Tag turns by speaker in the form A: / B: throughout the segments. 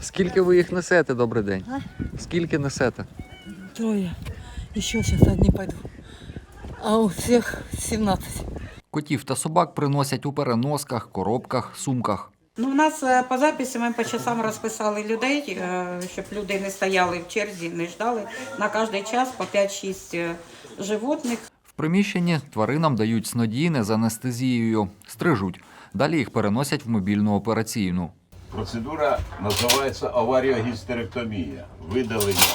A: Скільки ви їх несете, добрий день? Скільки несете?
B: 3. Еще сейчас одни пойду. А у всех 17.
A: Котів та собак приносять у переносках, коробках, сумках.
C: Ну, у нас по записі ми по часам розписали людей, щоб люди не стояли в черзі, не ждали. На кожний час по 5-6 животних.
A: В приміщенні тваринам дають снодійне з анестезією, стрижуть. Далі їх переносять в мобільну операційну.
D: Процедура називається аваріогістеректомія. Видалення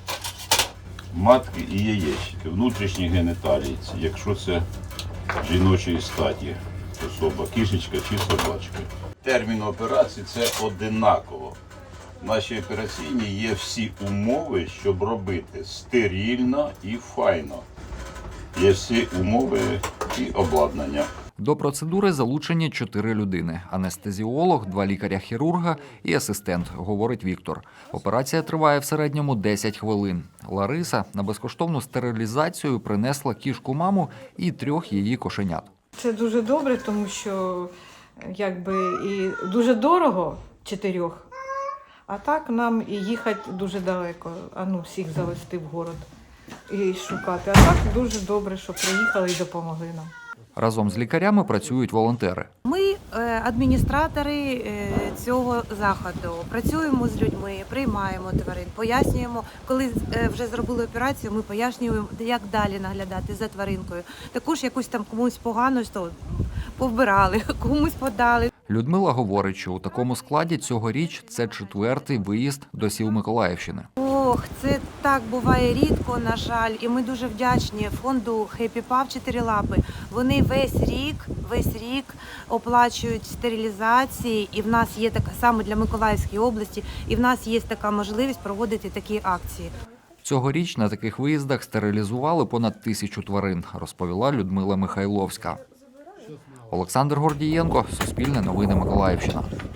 D: матки і яєчки, внутрішні геніталії, якщо це жіночої статі особа, кішечка чи собачка. Термін операції – це одинаково. В нашій операційній є всі умови, щоб робити стерильно і файно. Є всі умови і обладнання.
A: До процедури залучені 4 людини – анестезіолог, 2 лікаря-хірурга і асистент, говорить Віктор. Операція триває в середньому 10 хвилин. Лариса на безкоштовну стерилізацію принесла кішку-маму і 3 її кошенят.
B: Це дуже добре, тому що і дуже дорого 4. А так нам і їхати дуже далеко, всіх завести в город і шукати. А так дуже добре, що приїхали і допомогли нам.
A: Разом з лікарями працюють волонтери.
E: Ми адміністратори цього заходу, працюємо з людьми, приймаємо тварин, пояснюємо, коли вже зробили операцію, ми пояснюємо, як далі наглядати за тваринкою. Також якусь там комусь погано повбирали, комусь подали.
A: Людмила говорить, що у такому складі цьогоріч це 4-й виїзд до сіл Миколаївщини.
E: Ох, це так буває рідко, на жаль, і ми дуже вдячні фонду Happy Pup 4 лапи. Вони весь рік оплачують стерилізації, і в нас є така саме для Миколаївської області, і в нас є така можливість проводити такі акції.
A: Цьогоріч на таких виїздах стерилізували понад 1000 тварин, розповіла Людмила Михайловська. Олександр Гордієнко, Суспільне новини, Миколаївщина.